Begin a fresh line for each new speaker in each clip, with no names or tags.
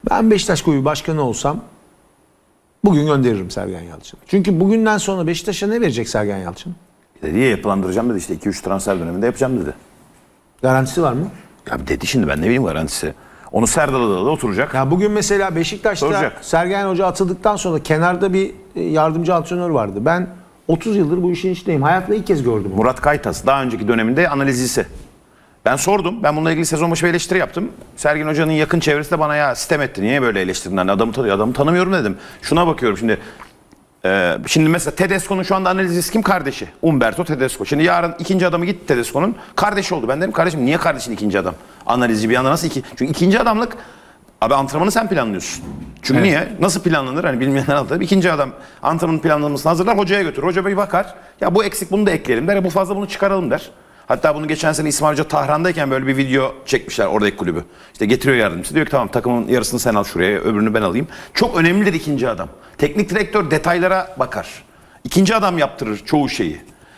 Ben Beşiktaş Kulübü Başkanı olsam bugün gönderirim Sergen Yalçın'ı. Çünkü bugünden sonra Beşiktaş'a ne verecek Sergen Yalçın?
Dedi ya yapılandıracağım dedi, işte 2-3 transfer döneminde yapacağım dedi.
Garantisi var mı?
Ya dedi, şimdi ben ne bileyim garantisi. Onu Serdal'da da oturacak.
Ya bugün mesela Beşiktaş'ta
Soracak.
Sergen Hoca atıldıktan sonra kenarda bir yardımcı antrenör vardı. Ben 30 yıldır bu işin içindeyim. Hayatımda ilk kez gördüm.
Murat Kaytas daha önceki döneminde analizcisi. Ben sordum. Ben bununla ilgili sezon başı bir eleştiri yaptım. Sergen Hoca'nın yakın çevresi de bana ya sitem etti. Niye böyle eleştirdin? Hani adamı tanıyor. Adamı tanımıyorum dedim. Şuna bakıyorum şimdi. Şimdi mesela Tedesco'nun şu anda analizcisi kim? Kardeşi. Umberto Tedesco. Şimdi yarın ikinci adamı gitti Tedesco'nun. Kardeşi oldu. Ben dedim kardeşim niye kardeşin ikinci adam? Analizci bir anda nasıl iki? Çünkü ikinci adamlık abi antrenmanı sen planlıyorsun. Çünkü niye? Nasıl planlanır? Hani bilmeyenler anlatır. İkinci adam antrenmanın planlamasını hazırlar. Hocaya götürür. Hoca bir bakar. Ya bu eksik, bunu da ekleyelim der. Ya bu fazla, bunu çıkaralım der. Hatta bunu geçen sene İsmail Hoca Tahran'dayken böyle bir video çekmişler oradaki kulübü. İşte getiriyor yardımcısı. Diyor ki tamam takımın yarısını sen al şuraya, öbürünü ben alayım. Çok önemlidir ikinci adam. Teknik direktör detaylara bakar. İkinci adam yaptırır çoğu şeyi.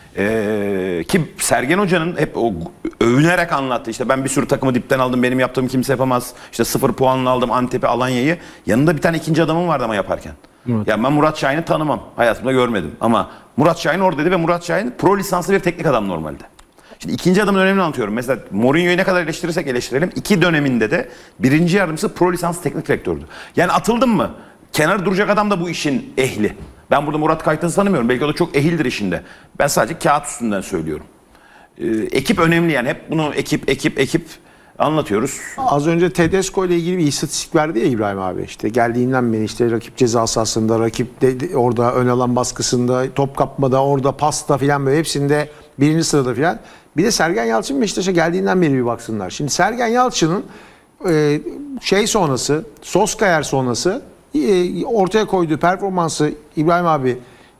Ki Sergen Hoca'nın hep o övünerek anlattı. İşte ben bir sürü takımı dipten aldım, benim yaptığım kimse yapamaz. İşte 0 puanla aldım Antep'i, Alanya'yı. Yanında bir tane ikinci adamım vardı ama yaparken. Ya ben Murat Şahin'i tanımam. Hayatımda görmedim. Ama Murat Şahin oradaydı ve Murat Şahin pro lisanslı bir teknik adam normalde. Şimdi ikinci adamın önemini anlatıyorum. Mesela Mourinho'yu ne kadar eleştirirsek eleştirelim. 2 döneminde de birinci yardımcısı pro lisans teknik direktördü. Yani atıldım mı? Kenar duracak adam da bu işin ehli. Ben burada Murat Kaytas'ı tanımıyorum. Belki o da çok ehildir işinde. Ben sadece kağıt üstünden söylüyorum. Ekip önemli yani. Hep bunu ekip anlatıyoruz.
Az önce Tedesco ile ilgili bir istatistik verdi ya İbrahim abi. İşte geldiğinden beri işte rakip ceza sahasında, rakip de orada ön alan baskısında, top kapmada, orada pasta filan böyle hepsinde birinci sırada filan. Bir de Sergen Yalçın Beşiktaş'a geldiğinden beri bir baksınlar. Şimdi Sergen Yalçın'ın sonrası, Solskjaer sonrası ortaya koyduğu performansı İbrahim abi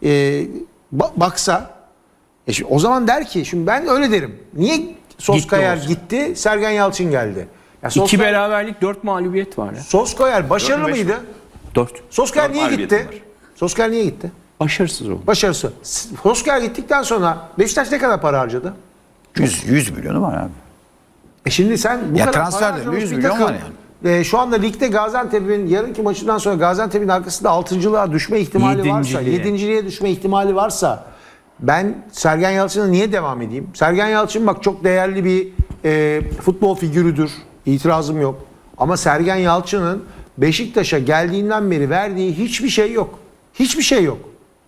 baksa o zaman der ki, şimdi ben öyle derim. Niye Solskjaer gitti, Sergen Yalçın geldi? Ya
2 beraberlik 4 mağlubiyet var ya.
Solskjaer başarılı
4-5
mıydı?
4.
Solskjaer niye
mağlubiyeti
gitti?
var.
Solskjaer niye gitti?
Başarısız oldu.
Başarısı. Solskjaer gittikten sonra Beşiktaş ne kadar para harcadı?
100 milyonu var abi.
Şimdi sen bu
Ya
kadar
transfer
para
de
harcamış
100
bir
milyon
takım.
var yani.
Şu anda ligde Gaziantep'in yarınki maçından sonra Gaziantep'in arkasında 6.'lığa düşme ihtimali varsa, 7.'liğe düşme ihtimali varsa ben Sergen Yalçın'a niye devam edeyim? Sergen Yalçın bak çok değerli bir futbol figürüdür. İtirazım yok. Ama Sergen Yalçın'ın Beşiktaş'a geldiğinden beri verdiği hiçbir şey yok. Hiçbir şey yok.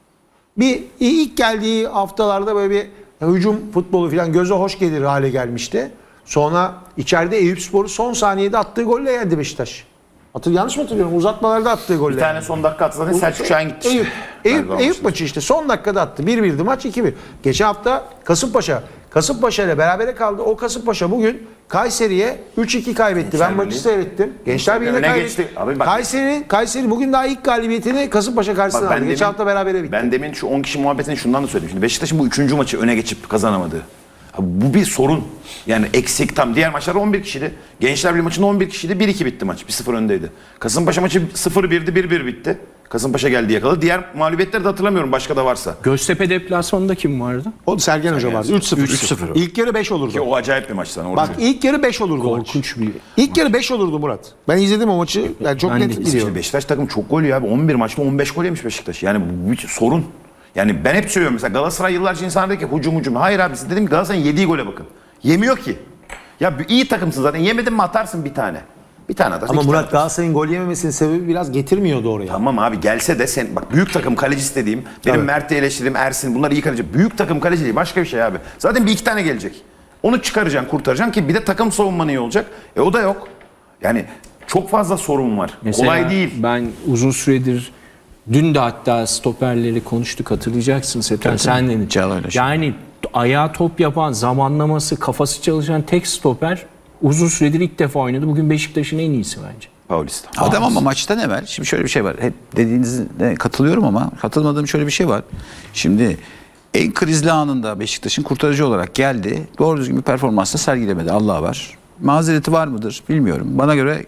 Bir ilk geldiği haftalarda böyle bir hücum futbolu falan göze hoş gelir hale gelmişti. Sonra içeride Eyüpspor'u son saniyede attığı golle yendi Beşiktaş. Yanlış mı hatırlıyorum? Uzatmalarda attığı golle.
Bir tane son dakika attı zaten Selçuk Şahin gitti.
Eyüp maçı işte son dakikada attı. 1-1'di maç, 2-1. Geçen hafta Kasımpaşa ile berabere kaldı. O Kasımpaşa bugün Kayseri'ye 3-2 kaybetti. Ben maçı seyrettim. Gençler Birliği'ne kaybetti.
Abi bak,
Kayseri bugün daha ilk galibiyetini Kasımpaşa karşısına aldı. Geçen hafta berabere bitti.
Ben demin şu 10 kişi muhabbetini şundan da söyledim. Şimdi Beşiktaş'ın bu 3. maçı öne geçip kazanamadığı. Bu bir sorun. Yani eksik tam. Diğer maçlar 11 kişiydi. Gençler Birliği maçında 11 kişiydi. 1-2 bitti maç. 1-0 öndeydi. Kasımpaşa maçı 0-1'di. 1-1 bitti. Kasımpaşa geldi yakaladı. Diğer mağlubiyetleri de hatırlamıyorum başka da varsa.
Göztepe deplasmanında kim vardı?
O Sergen Hoca vardı. 3-0.
3-0.
İlk yarı 5 olurdu.
Ki o acayip bir maç sana.
Bak ilk yarı 5 olurdu
Korkunç bir
İlk yarı 5 olurdu Murat. Ben izledim o maçı. Yani çok
Ben
net
de
biliyorum.
Şimdi Beşiktaş takım çok gol yiyor abi. 11 maçta 15 gol yemiş Beşiktaş. Yani bu bir sorun. Yani ben hep söylüyorum mesela Galatasaray yıllarca insanlar diyor ki hücum. Hayır abi siz dedim ki Galatasaray'ın yediği gole bakın. Yemiyor ki. Ya iyi takımsın zaten. Yemedin mi atarsın bir tane. Bir tane atarsın.
Ama Murat Galatasaray'ın gol yememesinin sebebi biraz getirmiyordu oraya.
Tamam abi gelse de sen bak büyük takım kalecisi dediğim benim
Tabii.
Mert'i eleştirdiğim Ersin bunlar iyi kaleci. Büyük takım kaleci değil başka bir şey abi. Zaten bir iki tane gelecek. Onu çıkaracaksın kurtaracaksın ki bir de takım savunman iyi olacak. O da yok. Yani çok fazla sorun var.
Mesela
kolay değil.
Ben uzun süredir dün de hatta stoperleri konuştuk, hatırlayacaksın Seten sen de. Yani ayağa top yapan, zamanlaması, kafası çalışan tek stoper uzun süredir ilk defa oynadı. Bugün Beşiktaş'ın en iyisi bence.
Paulista.
Adam ama maçtan evvel, şimdi şöyle bir şey var. Hep dediğinize katılıyorum ama katılmadığım şöyle bir şey var. Şimdi en krizli anında Beşiktaş'ın kurtarıcı olarak geldi. Doğru düzgün bir performansla sergilemedi. Allah var. Mazereti var mıdır bilmiyorum. Bana göre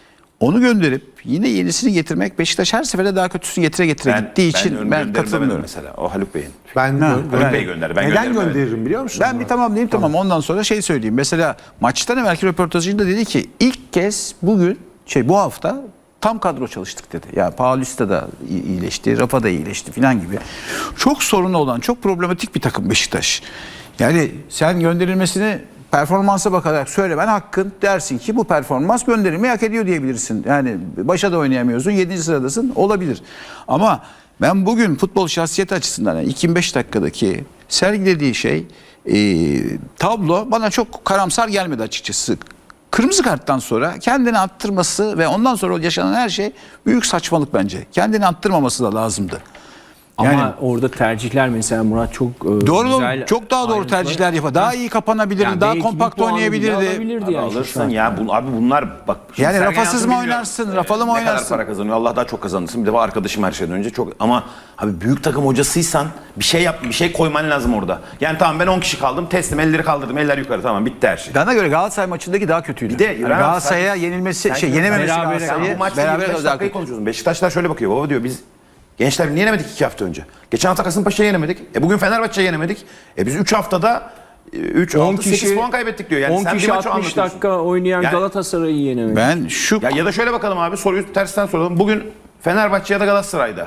onu gönderip yine yenisini getirmek Beşiktaş her seferinde daha kötüsünü getire gittiği için ben katılmıyorum.
Mesela o Haluk Bey'in.
Ben
Haluk Bey gönder. Ben
neden
göndermedim.
gönderirim biliyor musun?
Ben bir tamamlayayım tamam. Ondan sonra şey söyleyeyim. Mesela maçtan evvelki röportajında dedi ki ilk kez bugün bu hafta tam kadro çalıştık dedi. Yani Paulista da iyileşti, Rafa da iyileşti filan gibi. Çok sorunu olan, çok problematik bir takım Beşiktaş. Yani sen gönderilmesini performansa bakarak söylemen hakkın, dersin ki bu performans gönderilmeyi hak ediyor diyebilirsin. Yani başa da oynayamıyorsun, 7. sıradasın, olabilir. Ama ben bugün futbol şahsiyeti açısından yani 25 dakikadaki sergilediği şey tablo bana çok karamsar gelmedi açıkçası. Kırmızı karttan sonra kendini attırması ve ondan sonra yaşanan her şey büyük saçmalık bence. Kendini attırmaması da lazımdı.
Ama
Yani-
orada tercihler mesela Murat çok
Doğru,
güzel
çok daha doğru
ayrıntılar.
tercihler yapar. Daha iyi kapanabilirdi,
Yani
daha
belki
kompakt
bir puanı bile
oynayabilirdi.
alabilirdi yani şu
Alırsın
an.
ya. Abi bunlar bak. şimdi
Yani
Sergen
Rafasız
Yalçın
mı
bilmiyorum.
oynarsın, Rafalı mı
Ne kadar
oynarsın?
para kazanıyor? Allah daha çok kazanırsın. Bir de arkadaşım her şeyden önce çok. Ama abi büyük takım hocasıysan bir şey yap, bir şey koyman lazım orada. Yani tamam ben 10 kişi kaldım. Teslim, elleri kaldırdım. Eller yukarı, tamam, bitti her şey.
Bana göre Galatasaray maçındaki daha kötüydü.
Bir de
Yani Galatasaray'a yenilmesi, yenememesi
berabere
Galatasaray'ı
Sen bu maçta
beraber
25
daha
dakikayı
kötü.
konuşuyorsun. Beşiktaşlar şöyle bakıyor. Baba diyor biz gençler niye yenemedik 2 hafta önce? Geçen hafta Kasımpaşa'yı yenemedik. Bugün Fenerbahçe'yi yenemedik. Biz 3 haftada 3,
10
6, 8 puan kaybettik diyor. Yani
10
sen
kişi
bir maçı
60
anlatıyorsun.
dakika oynayan
Yani-
Galatasaray'ı yenemedi.
Ben şu
Ya da şöyle bakalım abi, soruyu tersten soralım. Bugün Fenerbahçe ya da Galatasaray'da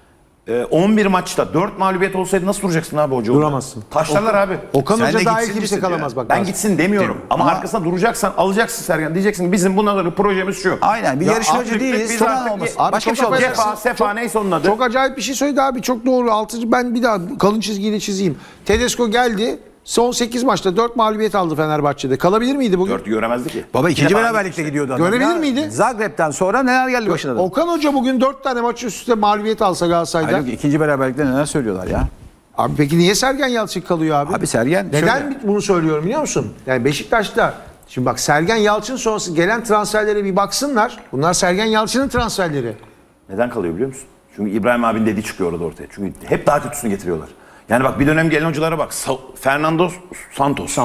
11 maçta 4 mağlubiyet olsaydı nasıl duracaksın abi hoca? orada?
Duramazsın.
Taşlarlar abi.
Okan
Sen
Hoca
de
dahil
gitsin
kimse
desin
kalamaz
ya.
bak.
Ben gitsin demiyorum ama
Ama-
arkasında duracaksan alacaksın Sergen. Diyeceksin bizim bundan sonra projemiz şu.
aynen bir
Ya
yarışmacı
artık
değiliz.
biz
Sonra
artık
olmasın.
Abi
Başka bir
çok
şey olacak.
Cefa, Sefa neyse onun adı.
Çok acayip bir şey söyledi abi. Çok doğru. Ben bir daha kalın çizgiyle çizeyim. Tedesco geldi. Son 8 maçta 4 mağlubiyet aldı Fenerbahçe'de. Kalabilir miydi bugün?
4 göremezdi ki.
Baba ikinci
Yine
beraberlikte gidiyordu adam.
Görebilir
Ya,
miydi?
Zagreb'ten sonra neler geldi başına da.
Okan Hoca bugün 4 tane maç üst üste mağlubiyet alsa Galatasaray'da.
Halbuki ikinci beraberlikte neler söylüyorlar ya.
Abi peki niye Sergen Yalçın kalıyor abi?
Abi Sergen
Neden
şöyle-
bunu söylüyorum biliyor musun? Yani Beşiktaş'ta şimdi bak Sergen Yalçın sonrası gelen transferlere bir baksınlar. Bunlar Sergen Yalçın'ın transferleri.
Neden kalıyor biliyor musun? Çünkü İbrahim abinin dediği çıkıyor orada ortaya. Çünkü hep daha kötüsünü getiriyorlar. Yani bak bir dönem gelen hocalara bak. Fernando Santos.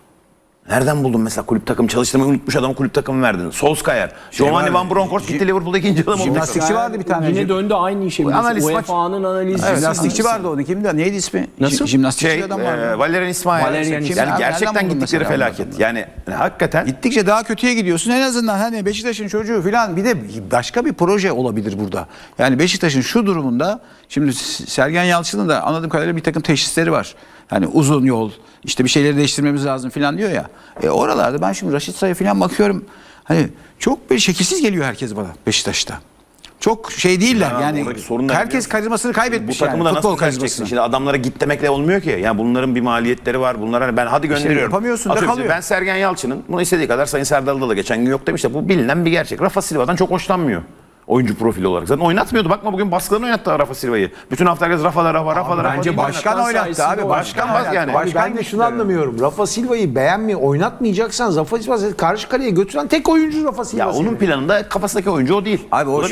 Nereden buldun mesela kulüp takım çalıştırmayı unutmuş adamı kulüp takımı verdin. Solskjaer. Giovanni
var,
Van Bronckhorst gitti Liverpool'da ikinci adam oldu.
jimnastikçi vardı bir tane.
Yine döndü aynı işe.
Analiz maç-
UEFA'nın analizi.
Jimnastikçi vardı onu. Kimdi? Neydi ismi?
Nasıl?
Jimnastikçi bir adam vardı.
Valerian İsmail.
Valerian
Yani
İsmail.
gerçekten
Nereden buldun
gittikleri
mesela
felaket. Yani hakikaten
Gittikçe daha kötüye gidiyorsun. En azından hani Beşiktaş'ın çocuğu falan bir de başka bir proje olabilir burada. Yani Beşiktaş'ın şu durumunda şimdi Sergen Yalçın'ın da anladığım kadarıyla bir takım teşhisleri var. Hani uzun yol, işte bir şeyleri değiştirmemiz lazım falan diyor ya. Oralarda ben şimdi Raşit Say'a falan bakıyorum. Hani çok bir şekilsiz geliyor herkes bana Beşiktaş'ta. Çok şey değiller
Ya
yani.
oradaki sorun ne
Herkes
biliyor musun?
karizmasını
bu
kaybetmiş
takımı
yani.
da
Futbol
nasıl düzelteceksin?
karizmasını.
Şimdi adamlara git demekle olmuyor ki. Yani bunların bir maliyetleri var. Bunlar hani ben hadi gönderiyorum.
yapamıyorsun da
Atıyorum
kalıyor.
ben Sergen Yalçın'ın bunu istediği kadar Sayın Serdal'da da geçen gün yok demiş de bu bilinen bir gerçek. Rafa Silva'dan çok hoşlanmıyor. Oyuncu profili olarak. Zaten oynatmıyordu. Bakma bugün baskıdan oynattı Rafa Silva'yı. Bütün hafta herkes Rafa.
bence
diye
Başkan
oynattı.
oynattı abi. Başkan oynattı.
yani.
Abi ben de şunu anlamıyorum. Rafa Silva'yı beğenmiyor, oynatmayacaksan Rafa Silva'yı karşı kaleye götüren tek oyuncu Rafa Silva.
Ya onun planında kafasındaki oyuncu o değil.
Abi o
da-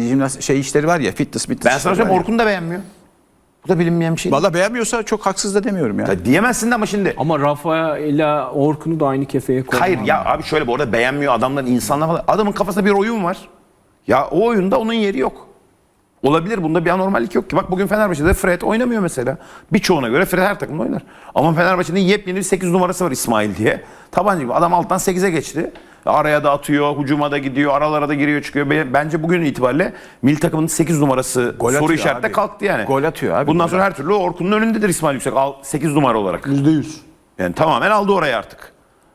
şey işleri var ya fitness
Ben sana
işleri
söyleyeyim
var ya.
Orkun da beğenmiyor. Bu da bilinmeyen bir şey.
Valla beğenmiyorsa çok haksız da demiyorum ya.
Ya diyemezsin de ama şimdi.
Ama Rafa ile Orkun'u da aynı kefeye koydu.
Hayır ya abi şöyle bu arada beğenmiyor adamların insanlar falan. Adamın kafasında bir oyun var. Ya o oyunda onun yeri yok. Olabilir bunda bir anormallik yok ki. Bak bugün Fenerbahçe'de Fred oynamıyor mesela. Birçoğuna göre Fred her takımda oynar. Ama Fenerbahçe'nin yepyeni bir 8 numarası var İsmail diye. Tabanca gibi adam alttan 8'e geçti. Araya da atıyor, hücuma da gidiyor, aralara da giriyor çıkıyor. Bence bugün itibariyle milli takımın 8 numarası
Gol
soru
atıyor
işaretle
abi.
kalktı yani.
Gol atıyor abi.
Bundan sonra her türlü Orkun'un önündedir İsmail Yüksek. 8 numara olarak.
%100.
Yani tamamen aldı orayı artık.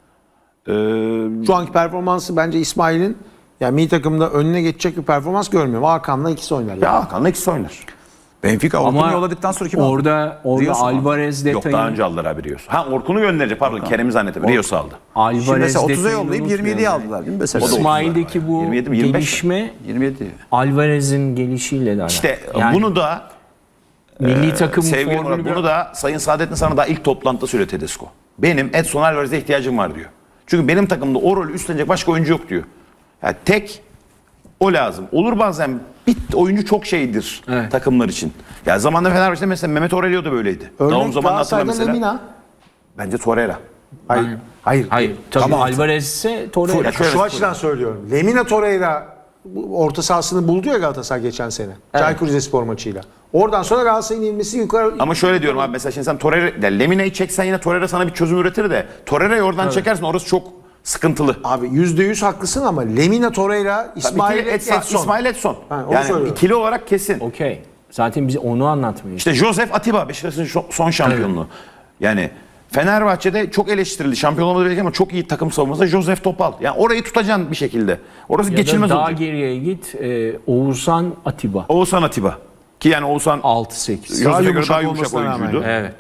Şu anki performansı bence İsmail'in yani milli takımda önüne geçecek bir performans görmüyorum. Hakan'la ikisi oynar.
Ya Hakan'la ikisi oynar.
Benfica Orkun'u
Ama
yolladıktan sonra kim aldı?
orada
Rios mu aldı?
Alvarez
Yok
detayı.
daha önce aldılar abi Rios. Ha Orkun'u gönderecek pardon Kerem'i zannettim. Rios aldı.
Alvarez
Şimdi mesela 30'a
detayını
yollayıp
unutmayalım
27'ye
yani.
aldılar değil mi mesela?
O da
İsmail'deki bu
27 mi, 25 mi?
gelişme
27.
Alvarez'in gelişiyle de alakalı.
İşte
Yani
bunu da
milli takım
sevgili
formülü
Murat bunu da Sayın Saadettin sana daha ilk toplantıda söyledi Tedesco. Benim Edson Alvarez'e ihtiyacım var diyor. Çünkü benim takımda o rolü üstlenecek başka oyuncu yok diyor. Yani tek o lazım. Olur bazen bir oyuncu çok şeydir
Evet.
takımlar için. Ya zamanında Fenerbahçe'de mesela Mehmet Aurelio da böyleydi. Daha o
Örnek
zaman hatırla
Galatasaray'dan
mesela.
Lemina.
Bence Torreira.
Hayır. Hayır.
Hayır. Tabii
Tamam.
Alvarez ise Torreira.
Ya şöyle-
Şu açıdan söylüyorum. Lemina Torreira bu orta sahasını buldu ya Galatasaray geçen sene. Çaykur Rizespor maçıyla. Oradan sonra Galatasaray'ın inmesi yukarı.
Ama şöyle diyorum abi mesela şimdi sen Torreira, yani Lemina'yı çeksen yine Torreira sana bir çözüm üretir de Torreira'yı oradan çekersin orası çok sıkıntılı.
Abi %100 haklısın ama Lemina Torreira, İsmail Edson.
İsmail Edson.
Ha, onu
Yani
söylüyorum.
ikili olarak kesin.
Okey. Zaten biz onu anlatmıyoruz.
İşte Josef Atiba Beşiktaş'ın son şampiyonluğu. Yani Fenerbahçe'de çok eleştirildi. Şampiyon olmadı belki ama çok iyi takım savunması Josef Topal. Yani orayı tutacaksın bir şekilde. Orası
Ya da
geçilmez
daha
olacak.
geriye git. Oğuzhan Atiba.
Oğuzhan Atiba. Ki yani Oğuzhan
6-8.
Josef'e göre
yumuşak
daha yumuşak
olmasına rağmen
oyuncuydu.
Evet.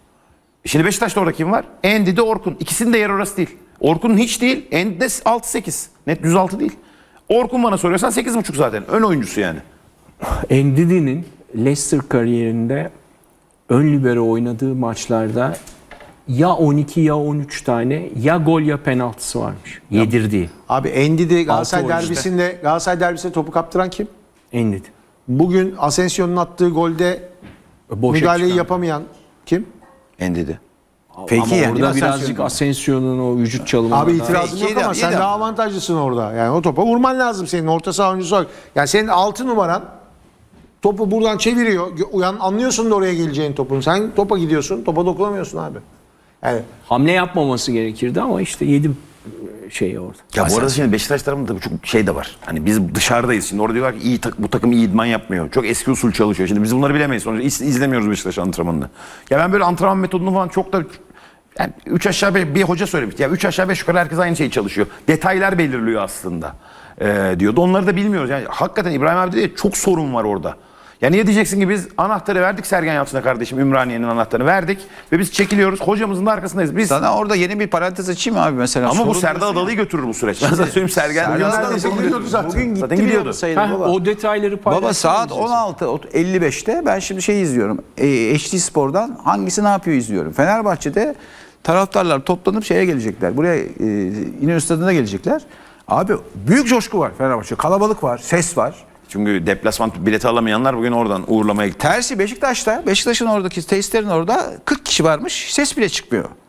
Şimdi Beşiktaş'ta orada kim var? Endidi, Orkun. İkisinin de yer orası değil. Orkun hiç değil. Endidi de 6-8. Net düz 6 değil. Orkun bana soruyorsan 8,5 zaten. Ön oyuncusu yani.
Ndidi'nin Leicester kariyerinde ön libero oynadığı maçlarda ya 12 ya 13 tane ya gol ya penaltısı varmış. Yedirdiği.
Abi Endidi Galatasaray
Altı oyuncu.
derbisinde topu kaptıran kim?
Ndidi.
Bugün Asensio'nun attığı golde
Boşa
müdahaleyi
çıkan.
yapamayan kim?
Endidi.
Peki
Ama
yani
orada birazcık Asensio'nun o vücut çalımında.
Abi itirazım
Peki,
yok ama
iyi
sen
de-
daha avantajlısın orada. Yani o topa vurman lazım senin orta saha oyuncusu olarak. Yani senin 6 numaran topu buradan çeviriyor. Anlıyorsun da oraya geleceğin topun. Sen topa gidiyorsun, topa dokunamıyorsun abi. Yani
Hamle yapmaması gerekirdi ama işte yedi şeyi orada.
Ya bu arada şimdi Beşiktaş tarafında çok şey de var. Hani biz dışarıdayız. Şimdi orada diyorlar ki bu takım iyi idman yapmıyor. Çok eski usul çalışıyor. Şimdi biz bunları bilemeyiz. Sonuçta izlemiyoruz Beşiktaş antrenmanını. Ya ben böyle antrenman metodunu falan çok da yani 3 aşağı 5 bir hoca söylemişti. Ya 3 aşağı 5 yukarı herkes aynı şeyi çalışıyor. Detaylar belirliyor aslında. Diyordu. Onları da bilmiyoruz. Yani hakikaten İbrahim abi dedi ya, çok sorun var orada. Ya niye diyeceksin ki biz anahtarı verdik Sergen Yalçın'a kardeşim, Ümraniye'nin anahtarını verdik ve biz çekiliyoruz. Hocamızın da arkasındayız. Biz
Sana orada yeni bir parantez açayım mı abi mesela?
ama bu
Sorun
Serdar
diyorsun ya.
Adalı'yı götürür bu süreç. Ben sana söyleyeyim Sergen.
Serdar
Yalçın
neredeyse
Adalı'yı
gidiyordu
götürür.
zaten.
Bugün
Zaten
gitti
gidiyordu.
bile sayılır
Heh,
baba.
o detayları
Baba
paylaşsana
saat
diyeceksin.
16.55'te ben şimdi şey izliyorum. HD Spor'dan hangisi ne yapıyor izliyorum. Fenerbahçe'de taraftarlar toplanıp şeye gelecekler. Buraya İnönü Stadı'na gelecekler. Abi büyük coşku var Fenerbahçe. Kalabalık var, ses var.
Çünkü deplasman bileti alamayanlar bugün oradan uğurlamaya gitti.
Tersi Beşiktaş'ta, Beşiktaş'ın oradaki tesislerin orada 40 kişi varmış. Ses bile çıkmıyor.